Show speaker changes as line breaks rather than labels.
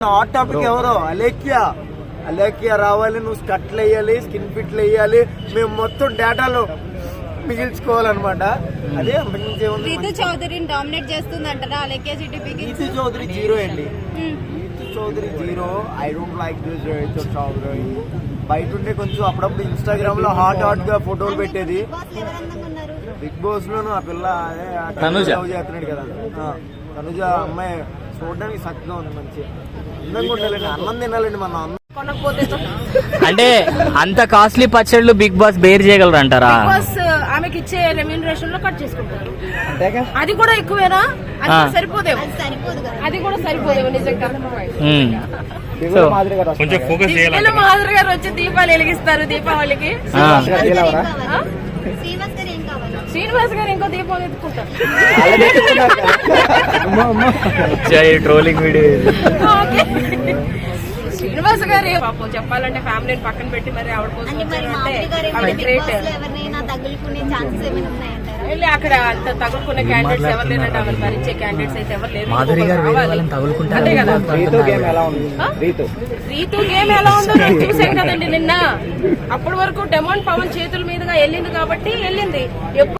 Hot topic ఎవరో అలేఖ్య రావాలి, నువ్వు స్కట్లు వేయాలి, స్కిన్ ఫిట్లు వేయాలి, మేము మొత్తం డేటాలో మిగిల్చుకోవాలన్నమాట. అదే
రీతు చౌదరిని డామినేట్ చేస్తుంది అంటారా అలేఖ్య సిటీపీకి?
రీతు చౌదరి జీరో అండి. Ritu Chowdary zero. I don't like this Ritu Chowdary. బయట ఉంటే కొంచెం అప్పుడప్పుడు ఇన్స్టాగ్రామ్ లో హాట్ గా ఫోటోలు పెట్టేది. బిగ్ బాస్ లోను ఆ పిల్ల చేస్తున్నాడు కదా, తనుజ అమ్మాయి చూడడానికి చక్కగా ఉంది, మంచి అందంగా ఉండాలండి, అన్నం తినాలండి మన
అంటే అంత కాస్ట్లీ పచ్చళ్ళు బిగ్ బాస్ బేర్ చేయగలరు అంటారా?
ఆమెకి ఇచ్చే రెమ్యూనరేషన్ లో కట్ చేసుకుంటారు. అది కూడా ఎక్కువేనా? సరిపోదేమో, అది కూడా సరిపోదేమో నిజంగా. మాధురి గారు వచ్చి దీపాలు వెలిగిస్తారు దీపావళికి. శ్రీనివాస్ గారు ఇంకో దీపాలు ఎత్తుకుంటారు.
Trolling video.
శ్రీనివాస్ గారు పాపం చెప్పాలంటే ఫ్యామిలీని పక్కన పెట్టి మరి ఆవిడ కోసం వెళ్ళి అక్కడ అంత తగులుకునే క్యాండిడేట్స్ ఎవరు లేరంటే ఆమె భరించే క్యాండిడేట్స్ అయితే ఎవరు లేరు. అంతే కదా. రీతు గేమ్ ఎలా ఉందో చూసాం కదండి నిన్న. అప్పటి వరకు డెమాండ్ పవన్ చేతుల మీదుగా వెళ్ళింది కాబట్టి వెళ్ళింది.